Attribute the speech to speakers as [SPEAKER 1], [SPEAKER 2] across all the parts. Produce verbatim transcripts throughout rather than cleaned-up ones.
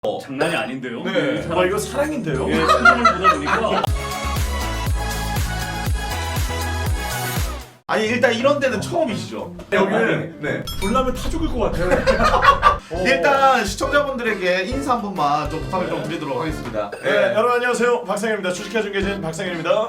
[SPEAKER 1] 어. 장난이 아닌데요?
[SPEAKER 2] 네.
[SPEAKER 1] 사람,
[SPEAKER 2] 와 이거 사랑인데요?
[SPEAKER 1] 예, 사람을 보다 보니까
[SPEAKER 3] 아니 일단 이런 데는 처음이시죠?
[SPEAKER 2] 여기는
[SPEAKER 3] 네.
[SPEAKER 2] 불나면 타 죽을 것 같아요.
[SPEAKER 3] 일단 시청자분들에게 인사 한 번만 좀 부탁을 좀 드리도록 하겠습니다.
[SPEAKER 2] 네, 여러분 안녕하세요. 박상현입니다. 주식회 중계진 박상현입니다.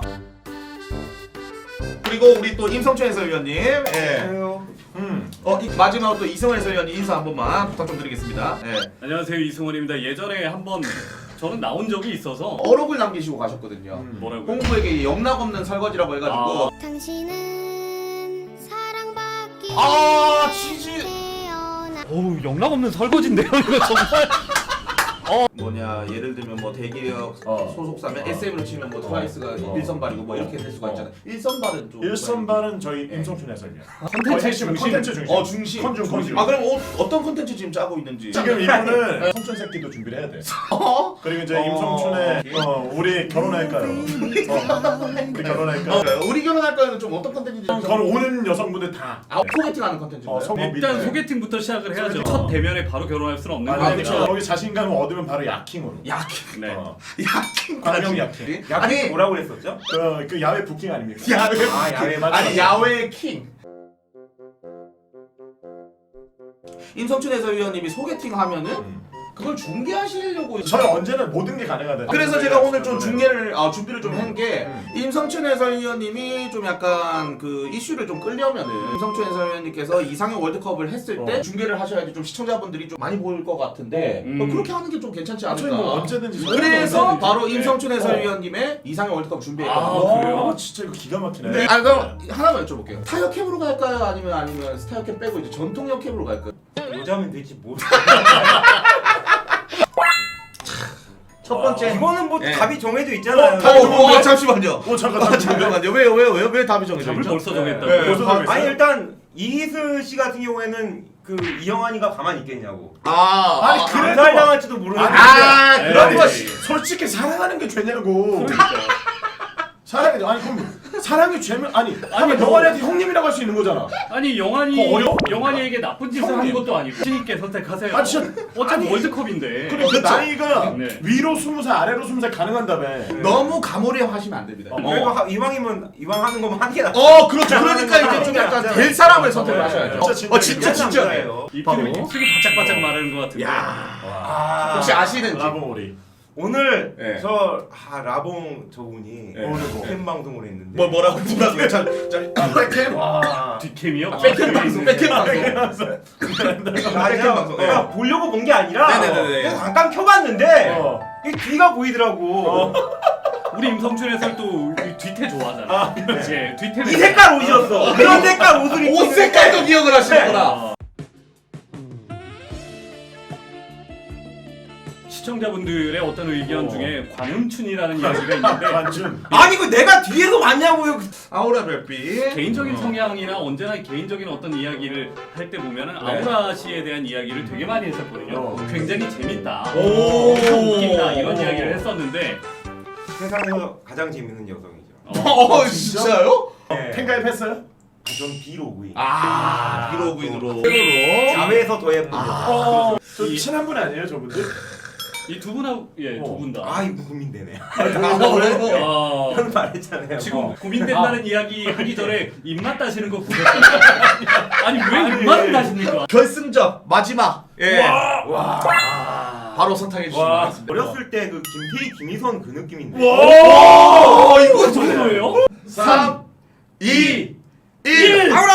[SPEAKER 3] 그리고 우리 또 임성춘 해설위원님, 예.
[SPEAKER 2] 음.
[SPEAKER 3] 어 이, 마지막으로 또 이승원 해설위원님 인사 한 번만 부탁 좀 드리겠습니다. 예.
[SPEAKER 1] 안녕하세요, 이승원입니다. 예전에 한번 저는 나온 적이 있어서
[SPEAKER 3] 어록을 남기시고 가셨거든요.
[SPEAKER 2] 음.
[SPEAKER 1] 뭐라고요?
[SPEAKER 3] 공부에게 영락 없는 설거지라고 해가지고.
[SPEAKER 4] 당신은 사랑받기
[SPEAKER 3] 아, 치즈.
[SPEAKER 1] 어우, 영락 없는 설거지인데요, 이거 정말.
[SPEAKER 3] 뭐냐 예를 들면 뭐 대기업
[SPEAKER 2] 어.
[SPEAKER 3] 소속사면
[SPEAKER 2] 어.
[SPEAKER 3] 에스엠으로 치면 뭐 트와이스가
[SPEAKER 2] 어.
[SPEAKER 3] 일선발이고 뭐 이렇게 될 수가
[SPEAKER 2] 어.
[SPEAKER 3] 있잖아요. 일선발은 좀
[SPEAKER 2] 일선발은 저희
[SPEAKER 3] 네.
[SPEAKER 2] 임성춘 해설위원.
[SPEAKER 1] 컨텐츠 중심.
[SPEAKER 2] 컨텐츠 중심.
[SPEAKER 3] 어 중심.
[SPEAKER 2] 컨중 컨중.
[SPEAKER 3] 아 그럼 어, 어떤 콘텐츠 지금 짜고 있는지.
[SPEAKER 2] 지금 이분은 성춘 새끼도 준비를 해야 돼.
[SPEAKER 3] 어?
[SPEAKER 2] 그리고 이제
[SPEAKER 3] 어.
[SPEAKER 2] 임성춘의 어, 우리 결혼할까요? 어, 우리 결혼할까요?
[SPEAKER 3] 어, 우리 결혼할까는 좀 어떤 콘텐츠인지. 좀-
[SPEAKER 2] 그건 오는 여성분들 다.
[SPEAKER 3] 아 소개팅하는 콘텐츠인가요?
[SPEAKER 2] 어, 소-
[SPEAKER 1] 일단
[SPEAKER 2] 밑에.
[SPEAKER 1] 소개팅부터 시작을 해야죠.
[SPEAKER 2] 소개팅.
[SPEAKER 1] 첫 대면에 바로 결혼할 수는 없는
[SPEAKER 2] 아,
[SPEAKER 1] 거니까.
[SPEAKER 2] 그렇죠. 거기 자신감을 얻으면 바로 야킹으로.
[SPEAKER 3] 야킹.
[SPEAKER 1] 네.
[SPEAKER 2] 어.
[SPEAKER 3] 야킹.
[SPEAKER 2] 광명 야킹.
[SPEAKER 3] 아니
[SPEAKER 5] 뭐라고 그랬었죠?
[SPEAKER 2] 그, 그 야외 부킹 아닙니까?
[SPEAKER 3] 야외.
[SPEAKER 5] 아, 야외 맞아.
[SPEAKER 3] 아니 야외 킹. 임성춘 해설위원님이 소개팅 하면은
[SPEAKER 2] 음.
[SPEAKER 3] 그걸 중계하시려고.
[SPEAKER 2] 저는 언제나 모든 게 가능하다.
[SPEAKER 3] 그래서 제가 오늘 좀 중계를 아 준비를 좀 한 게
[SPEAKER 2] 음.
[SPEAKER 3] 임성춘 해설위원님이 좀 약간 그 이슈를 좀 끌려면은 임성춘 해설위원님께서 이상형 월드컵을 했을 때
[SPEAKER 2] 어.
[SPEAKER 3] 중계를 하셔야지 좀 시청자분들이 좀 많이 보일 것 같은데
[SPEAKER 1] 음.
[SPEAKER 3] 뭐 그렇게 하는 게 좀 괜찮지
[SPEAKER 2] 아, 저희
[SPEAKER 3] 않을까.
[SPEAKER 2] 뭐 언제든지.
[SPEAKER 3] 그래서
[SPEAKER 1] 언제든지.
[SPEAKER 3] 바로
[SPEAKER 1] 네.
[SPEAKER 3] 임성춘
[SPEAKER 2] 어.
[SPEAKER 3] 해설위원님의 이상형 월드컵 준비했거든요.
[SPEAKER 1] 아, 그래요?
[SPEAKER 2] 아, 진짜 이거 기가 막히네.
[SPEAKER 3] 네. 아 그럼 하나만 여쭤볼게요. 스타어 캡으로 갈까요? 아니면 아니면 스타어 캡 빼고 이제 전통형 캡으로 갈까요?
[SPEAKER 5] 여자면 되지 뭐.
[SPEAKER 3] 첫 번째.
[SPEAKER 5] 이거는 뭐
[SPEAKER 3] 네.
[SPEAKER 5] 답이 정해져 있잖아요.
[SPEAKER 3] 어, 어, 어, 잠시만요.
[SPEAKER 2] 오 잠깐
[SPEAKER 3] 아,
[SPEAKER 2] 잠깐.
[SPEAKER 3] 잠깐만요. 왜요, 왜요, 왜요, 왜 답이 정해져
[SPEAKER 1] 답을
[SPEAKER 3] 있죠?
[SPEAKER 1] 벌써 정했다고.
[SPEAKER 2] 네, 벌써
[SPEAKER 3] 아,
[SPEAKER 2] 정했어요.
[SPEAKER 5] 아니 일단 이희슬 씨 같은 경우에는 그 이영환이가 가만히 있겠냐고.
[SPEAKER 3] 아,
[SPEAKER 2] 아니,
[SPEAKER 3] 아,
[SPEAKER 2] 그래.
[SPEAKER 5] 암살당할지도 모르는.
[SPEAKER 3] 아,
[SPEAKER 1] 네.
[SPEAKER 3] 그런 거.
[SPEAKER 1] 에이.
[SPEAKER 2] 솔직히 사랑하는 게 죄냐고.
[SPEAKER 1] 그러니까.
[SPEAKER 2] 사랑이 아니 그럼 사랑이 죄면 아니
[SPEAKER 1] 아니,
[SPEAKER 2] 아니
[SPEAKER 1] 뭐-
[SPEAKER 2] 영환이한테 형님이라고 할 수 있는 거잖아.
[SPEAKER 1] 아니 영환이
[SPEAKER 2] 그거 어려워?
[SPEAKER 1] 영환이에게 나쁜 짓을 한
[SPEAKER 2] 형님.
[SPEAKER 1] 것도 아니고 신님께 선택하세요.
[SPEAKER 2] 아, 진짜.
[SPEAKER 1] 어차피
[SPEAKER 2] 아니.
[SPEAKER 1] 월드컵인데.
[SPEAKER 2] 그리고 그 나이가
[SPEAKER 1] 네.
[SPEAKER 2] 위로 스무 살 아래로 스무 살 가능한다며.
[SPEAKER 3] 너무 가모리하시면 안 됩니다.
[SPEAKER 5] 그래도 하, 이왕이면 이왕 하는 거면 하는 게 낫지.
[SPEAKER 3] 어, 그렇죠. 그러니까 이제 좀 약간 될 사람을 선택을
[SPEAKER 2] 네,
[SPEAKER 3] 하셔야죠.
[SPEAKER 2] 진짜
[SPEAKER 3] 어, 진짜 진짜.
[SPEAKER 5] 남자예요.
[SPEAKER 1] 입술이
[SPEAKER 3] 바로.
[SPEAKER 1] 입술이 바짝바짝 마르는 것 같은데.
[SPEAKER 3] 야,
[SPEAKER 5] 아,
[SPEAKER 3] 혹시 아시는지?
[SPEAKER 2] 라봉오리.
[SPEAKER 5] 오늘
[SPEAKER 3] 네.
[SPEAKER 5] 저 아, 라봉 저분이
[SPEAKER 3] 네.
[SPEAKER 2] 오늘 뭐.
[SPEAKER 5] 팬 방송을 했는데.
[SPEAKER 3] 뭐 뭐라고 뭐라고요? 자, 자, 아, 백캠.
[SPEAKER 5] 와.
[SPEAKER 1] 뒷캠이요?
[SPEAKER 3] 백캠 방송, 백캠 방송.
[SPEAKER 5] 아,
[SPEAKER 3] 백캠
[SPEAKER 5] 그냥,
[SPEAKER 3] 방송.
[SPEAKER 5] 그냥 보려고 본 게 아니라
[SPEAKER 3] 네네네네.
[SPEAKER 5] 그냥 잠깐 켜봤는데
[SPEAKER 2] 어.
[SPEAKER 5] 이 뒤가 보이더라고.
[SPEAKER 2] 어.
[SPEAKER 1] 우리 임성춘 해설 또 뒤태 좋아하잖아.
[SPEAKER 2] 아,
[SPEAKER 1] 이제 뒤태.
[SPEAKER 5] 이 색깔 옷이었어. 그런 색깔 옷을 입고
[SPEAKER 3] 옷
[SPEAKER 5] 있는데
[SPEAKER 3] 색깔도 기억을 하시는구나.
[SPEAKER 1] 어. 시청자분들의 어떤 의견
[SPEAKER 2] 어.
[SPEAKER 1] 중에 관음춘이라는 이야기가 있는데
[SPEAKER 2] 완전.
[SPEAKER 5] 아니 그 내가 뒤에서 왔냐고요.
[SPEAKER 3] 아우라 별빛.
[SPEAKER 1] 개인적인
[SPEAKER 3] 어.
[SPEAKER 1] 성향이나 언제나 개인적인 어떤 이야기를 할 때 보면은 아우라 씨에 대한 이야기를 되게 많이 했었거든요.
[SPEAKER 2] 어.
[SPEAKER 1] 굉장히 재밌다.
[SPEAKER 3] 오.
[SPEAKER 1] 참 웃긴다 이런 이야기를 했었는데
[SPEAKER 5] 세상에서 가장 재밌는 여성이죠.
[SPEAKER 3] 어, 진짜요?
[SPEAKER 5] 네.
[SPEAKER 2] 팬가입했어요?
[SPEAKER 5] 전 비로그인.
[SPEAKER 3] 아, 비로그인으로. 세로로.
[SPEAKER 5] 야외에서 더 예쁜 여성.
[SPEAKER 2] 어. 저
[SPEAKER 1] 이-
[SPEAKER 2] 친한 분 아니에요 저분들?
[SPEAKER 1] 이 두 분하고 예 두
[SPEAKER 2] 어.
[SPEAKER 1] 분 다.
[SPEAKER 5] 아 이거 고민되네.
[SPEAKER 3] 아, 그래요?
[SPEAKER 1] 야,
[SPEAKER 5] 형 말했잖아요.
[SPEAKER 1] 지금
[SPEAKER 5] 어.
[SPEAKER 1] 고민된다는 이야기 하기 전에 입맛 따시는 거 보셨어요? 아니 왜 입맛을 따십니까?
[SPEAKER 3] 결승전 마지막. 예.
[SPEAKER 5] 와.
[SPEAKER 3] 바로 선택해 주시면
[SPEAKER 2] 와.
[SPEAKER 3] 되겠습니다.
[SPEAKER 5] 어렸을 때 그 김태희, 김희선 그 느낌인데.
[SPEAKER 3] 오, 이거
[SPEAKER 1] 그 정도예요?
[SPEAKER 3] 삼, 이, 일.
[SPEAKER 5] 아우라!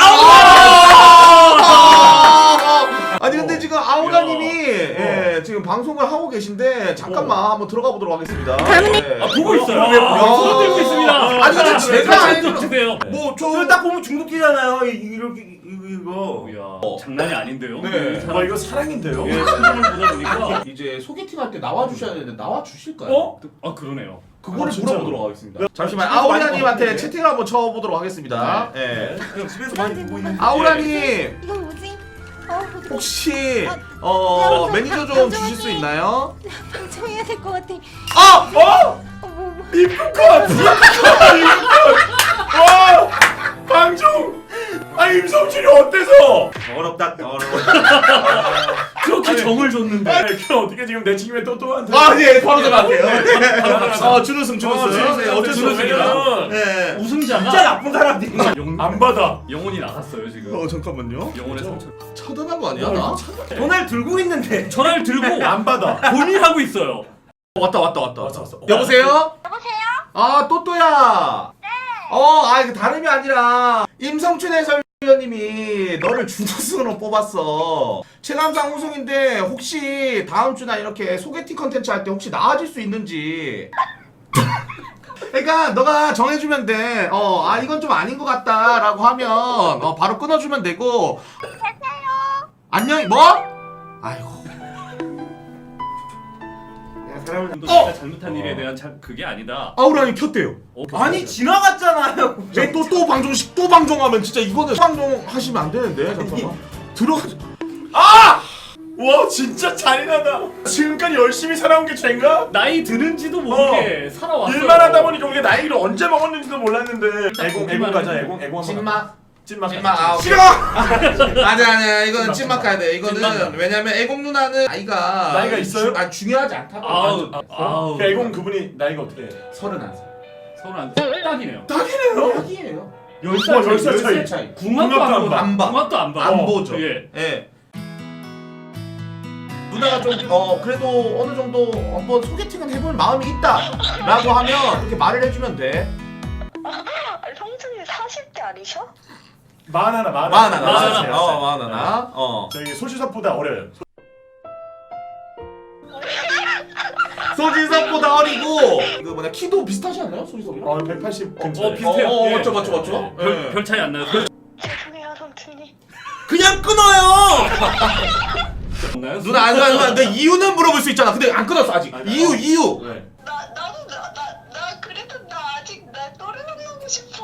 [SPEAKER 3] 아니 근데 지금 아우라님이 예, 지금 방송을 하고 계신데 잠깐만 한번 들어가 보도록 하겠습니다. 예.
[SPEAKER 1] 아 보고 있어요.
[SPEAKER 3] 야.
[SPEAKER 1] 손 들고 있습니다.
[SPEAKER 3] 아니 근데 제가
[SPEAKER 1] 좀
[SPEAKER 3] 알기로
[SPEAKER 1] 주세요.
[SPEAKER 5] 저걸 딱 보면 중독되잖아요. 이- 이렇게 이거 이거.
[SPEAKER 1] 이야, 장난이 아닌데요?
[SPEAKER 3] 네.
[SPEAKER 1] 사람-
[SPEAKER 2] 와 이거 사랑인데요?
[SPEAKER 1] 예, 사람을 보다 보니까
[SPEAKER 3] 이제 소개팅 할 때 나와 주셔야 되는데 나와 주실까요?
[SPEAKER 2] 어?
[SPEAKER 1] 아 그러네요.
[SPEAKER 3] 그거를
[SPEAKER 2] 아, 진짜로?
[SPEAKER 3] 물어보도록 하겠습니다. 잠시만
[SPEAKER 5] 집에서 많이
[SPEAKER 3] 아우라님한테
[SPEAKER 5] 먹었는데.
[SPEAKER 3] 채팅을 한번 쳐보도록 하겠습니다. 예.
[SPEAKER 5] 그냥 집에서 많이 보고 있는.
[SPEAKER 3] 아우라님
[SPEAKER 4] 이건 뭐지? 어,
[SPEAKER 3] 혹시
[SPEAKER 4] 아,
[SPEAKER 3] 어
[SPEAKER 4] 야,
[SPEAKER 3] 매니저 좀
[SPEAKER 4] 방송
[SPEAKER 3] 주실 수
[SPEAKER 4] 화이팅!
[SPEAKER 3] 있나요?
[SPEAKER 4] 방청해야 될 것 같아.
[SPEAKER 3] 아!
[SPEAKER 2] 어?
[SPEAKER 4] 어, 뭐, 뭐.
[SPEAKER 2] 이쁠 것 같아. 이쁠 것 같아. 와 방종. 아니 임성준이 어때서?
[SPEAKER 5] 더럽다 더러워.
[SPEAKER 1] 그렇게
[SPEAKER 2] 아니,
[SPEAKER 1] 정을 줬는데.
[SPEAKER 2] 아니 그럼 어떻게 지금 내 친구의 또또한테?
[SPEAKER 3] 아, 예, 바로 들어갈게요.
[SPEAKER 2] 네.
[SPEAKER 3] 어, 준우승, 준우승.
[SPEAKER 2] 준우승.
[SPEAKER 3] 네, 어쩔 수 없습니다.
[SPEAKER 2] 왜냐면
[SPEAKER 3] 네.
[SPEAKER 1] 우승자가
[SPEAKER 5] 진짜 나쁜 사람들이.
[SPEAKER 1] 영,
[SPEAKER 2] 안 받아.
[SPEAKER 1] 영혼이 나갔어요 지금.
[SPEAKER 3] 어, 잠깐만요.
[SPEAKER 1] 영혼의 상처.
[SPEAKER 3] 차단한 거 아니야, 나?
[SPEAKER 5] 돈을 들고 있는데.
[SPEAKER 1] 전화를 들고
[SPEAKER 2] 안 받아.
[SPEAKER 1] 고민하고 있어요.
[SPEAKER 3] 왔다, 왔다, 왔다.
[SPEAKER 2] 왔어, 왔어.
[SPEAKER 3] 여보세요? 여보세요? 아, 또또야. 네. 어, 아, 이거 다름이 아니라 임성춘 해설위원님이 너를 준우승으로 뽑았어. 체감상 우승인데 혹시 다음 주나 이렇게 소개팅 컨텐츠 할 때 혹시 나와줄 수 있는지. 그러니까 너가 정해주면 돼. 어, 아 이건 좀 아닌 것 같다라고 하면 어 바로 끊어주면 되고. 안녕. 뭐? 아이고.
[SPEAKER 5] 사람을
[SPEAKER 1] 너
[SPEAKER 3] 어!
[SPEAKER 1] 진짜 잘못한 일에 대한 잘 그게 아니다.
[SPEAKER 3] 아우라니 켰대요.
[SPEAKER 1] 어,
[SPEAKER 5] 아니 지나갔잖아요.
[SPEAKER 3] 또 또 방송식 또 방송하면 진짜 이거는 방송 하시면 안 되는데 잠깐만 들어가.
[SPEAKER 2] 아! 와 진짜 잔인하다. 지금까지 열심히 살아온 게 죄인가?
[SPEAKER 1] 나이 드는지도 모르게 살아왔어요.
[SPEAKER 2] 일만 하다 보니까 우리가 나이를 언제 먹었는지도 몰랐는데. 애공 애공 가자 애공 애공 한번.
[SPEAKER 3] 찐막
[SPEAKER 2] 찐막.
[SPEAKER 3] 찐막 아
[SPEAKER 2] 싫어.
[SPEAKER 3] 아니야 아니야 이거는 찐막 가야 돼. 이거는
[SPEAKER 2] 찐막.
[SPEAKER 3] 왜냐면 애공 누나는 나이가
[SPEAKER 2] 나이가 있어요?
[SPEAKER 3] 주, 아 중요하지 않다고.
[SPEAKER 1] 아우
[SPEAKER 2] 아,
[SPEAKER 1] 아우.
[SPEAKER 2] 그 애공 그분이 나이가 어떻게 해?
[SPEAKER 3] 서른한 살.
[SPEAKER 1] 서른 안 돼. 딱이네요.
[SPEAKER 2] 딱이네요.
[SPEAKER 3] 딱이에요.
[SPEAKER 1] 열
[SPEAKER 2] 살 차이,
[SPEAKER 3] 열 살
[SPEAKER 2] 차이.
[SPEAKER 3] 차이.
[SPEAKER 1] 궁합도
[SPEAKER 2] 궁합도
[SPEAKER 1] 안
[SPEAKER 2] 안
[SPEAKER 1] 봐.
[SPEAKER 3] 안 봐.
[SPEAKER 1] 궁합도 안 봐.
[SPEAKER 3] 안
[SPEAKER 1] 어,
[SPEAKER 3] 보죠.
[SPEAKER 1] 예.
[SPEAKER 3] 예. 누나가 좀 어 그래도 어느 정도 한번 소개팅은 해볼 마음이 있다라고 하면 이렇게 말을 해주면 돼.
[SPEAKER 6] 아니, 성준이 사십 대 아니셔?
[SPEAKER 2] 만 하나 만
[SPEAKER 3] 마흔
[SPEAKER 2] 하나.
[SPEAKER 3] 하나.
[SPEAKER 1] 마흔 하나.
[SPEAKER 3] 어 마흔 하나. 어.
[SPEAKER 2] 저희 소지섭보다 어려요.
[SPEAKER 3] 소진섭보다 어리고 그 뭐냐 키도 비슷하지 않나요 소진섭이랑?
[SPEAKER 2] 어 백팔십 근처.
[SPEAKER 1] 어, 비슷해요.
[SPEAKER 3] 어, 어,
[SPEAKER 1] 예.
[SPEAKER 3] 맞죠 맞죠 맞죠.
[SPEAKER 1] 별,
[SPEAKER 3] 예.
[SPEAKER 1] 별 차이 안 나요.
[SPEAKER 6] 죄송해요, 성준이.
[SPEAKER 3] 그냥 끊어요.
[SPEAKER 1] 없나요?
[SPEAKER 3] 누나 안 누나 누나 내 이유는 물어볼 수 있잖아. 근데 안 끊었어 아직.
[SPEAKER 2] 아니,
[SPEAKER 3] 이유
[SPEAKER 2] 어.
[SPEAKER 3] 이유.
[SPEAKER 2] 네.
[SPEAKER 6] 나, 나도, 나, 나, 나 그래도 나 아직 나 또래 만나고 싶어.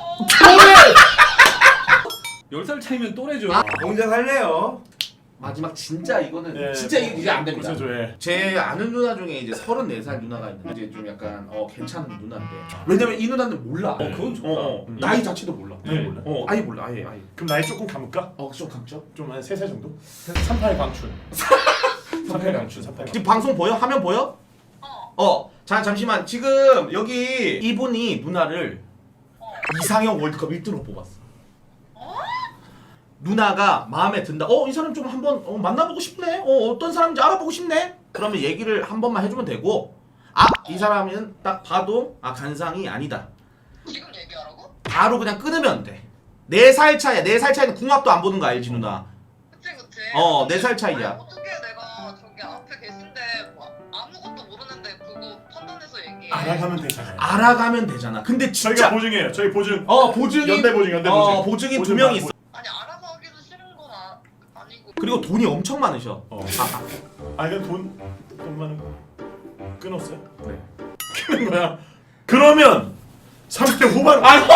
[SPEAKER 1] 열 살 차이면 또래죠.
[SPEAKER 3] 아.
[SPEAKER 5] 혼자 살래요.
[SPEAKER 3] 마지막 진짜 이거는
[SPEAKER 2] 예,
[SPEAKER 3] 진짜
[SPEAKER 2] 뭐,
[SPEAKER 3] 이게 이제 안 됩니다.
[SPEAKER 2] 그죠, 예.
[SPEAKER 3] 제 아는 누나 중에 이제 서른네 살 누나가 있는데 이제 좀 약간 어 괜찮은 누나인데 왜냐면 이 누나는 몰라.
[SPEAKER 1] 어, 그건 좋다.
[SPEAKER 3] 어, 어.
[SPEAKER 2] 음.
[SPEAKER 3] 나이 자체도 몰라.
[SPEAKER 2] 나이 몰라?
[SPEAKER 3] 어 아예 몰라 아예 아예.
[SPEAKER 2] 그럼 나이 조금 감을까?
[SPEAKER 3] 어좀 감죠.
[SPEAKER 2] 좀 한 세 살 정도? 삼팔 광춘. 삼팔 광춘. 삼팔 광춘.
[SPEAKER 3] 지금 방송 보여? 화면 보여?
[SPEAKER 6] 어.
[SPEAKER 3] 어. 자 잠시만 지금 여기 이분이 누나를 이상형 월드컵 일 등으로 뽑았어. 누나가 마음에 든다. 어 이 사람 좀 한번 어, 만나보고 싶네. 어 어떤 사람인지 알아보고 싶네. 그러면 얘기를 한 번만 해주면 되고 아 이 사람은 딱 봐도 아 간상이 아니다.
[SPEAKER 6] 지금 얘기하라고?
[SPEAKER 3] 바로 그냥 끊으면 돼. 네 살 차이야. 네 살 차이는 궁합도 안 보는 거 알지 누나.
[SPEAKER 6] 그치, 그치.
[SPEAKER 3] 어, 네살 차이야.
[SPEAKER 6] 아니, 어떻게 내가 저기 앞에 계신데 뭐 아무것도 모르는데 그거 판단해서 얘기해.
[SPEAKER 2] 알아가면 되잖아요.
[SPEAKER 3] 알아가면 되잖아. 근데
[SPEAKER 2] 저희가
[SPEAKER 3] 진짜
[SPEAKER 2] 보증이에요. 저희 보증.
[SPEAKER 3] 어 보증이
[SPEAKER 2] 연대 보증, 연대
[SPEAKER 3] 어
[SPEAKER 2] 보증.
[SPEAKER 3] 보증이 두
[SPEAKER 2] 보증
[SPEAKER 3] 명
[SPEAKER 2] 봐,
[SPEAKER 3] 있어.
[SPEAKER 6] 아니, 알아서 하기도 싫은 건 아, 아니고.
[SPEAKER 3] 그리고 돈이 엄청 많으셔.
[SPEAKER 2] 어.
[SPEAKER 3] 아,
[SPEAKER 2] 아 이건 돈, 돈 많은 거 끊었어요?
[SPEAKER 3] 네.
[SPEAKER 2] 끊는 거야. 그러면 삼십 대 후반.
[SPEAKER 3] 아이고